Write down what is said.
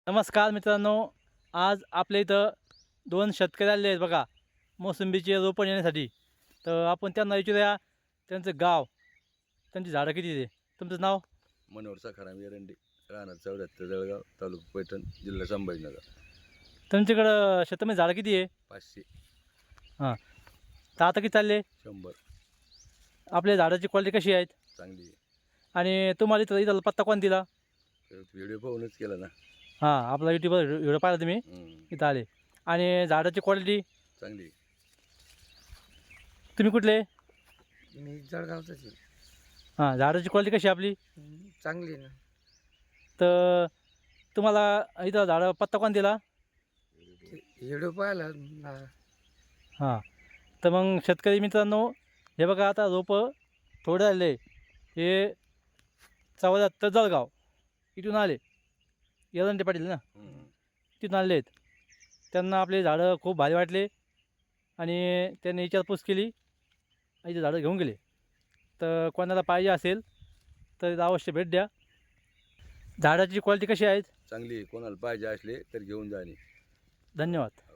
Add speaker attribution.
Speaker 1: नमस्कार मित्रांनो, आज आपल्या इथं दोन शेतकरी आलेले आहेत बघा, मोसंबीचे रोपण येण्यासाठी. तर आपण त्यांना विचारूया त्यांचं गाव, त्यांची झाडं किती आहे. तुमचं नाव?
Speaker 2: मनोहर सखाराम एरंडी, राहणार 74 जळगाव, तालुका पैठण, जिल्हा संभाजीनगर.
Speaker 1: तुमच्याकडं शेतामध्ये झाडं किती आहे?
Speaker 2: 500.
Speaker 1: हां, तर आता किती चालले?
Speaker 2: 100.
Speaker 1: आपल्या झाडाची क्वालिटी कशी आहेत?
Speaker 2: चांगली आहे.
Speaker 1: आणि तुम्हाला इथं पत्ता कोण दिला?
Speaker 2: व्हिडिओ पाहूनच केला ना.
Speaker 1: हां, आपला यूट्यूबवर व्हिडिओ पाहिला तुम्ही, इथं आले. आणि झाडाची क्वालिटी
Speaker 2: चांगली आहे.
Speaker 1: तुम्ही कुठले?
Speaker 3: मी जळगावचाच आहे.
Speaker 1: हां, झाडाची क्वालिटी कशी आहे आपली?
Speaker 3: चांगली आहे ना.
Speaker 1: तर तुम्हाला इथं झाडं पत्ता कोण दिला?
Speaker 3: व्हिडिओ पाहिला
Speaker 1: हां, तर मग शेतकरी मित्रांनो, हे बघा आता रोपं थोडे आले. हे 74 जळगाव इथून आले. एरंडे पाटील ना, तिथून आलेले आहेत. त्यांना आपले झाडं खूप भारी वाटले आणि त्यांनी विचारपूस केली आणि ते झाडं घेऊन गेले. तर कोणाला पाहिजे असेल तर अवश्य भेट द्या. झाडाची क्वालिटी कशी आहेत?
Speaker 2: चांगली आहे. कोणाला पाहिजे असले तर घेऊन जाणे.
Speaker 1: धन्यवाद.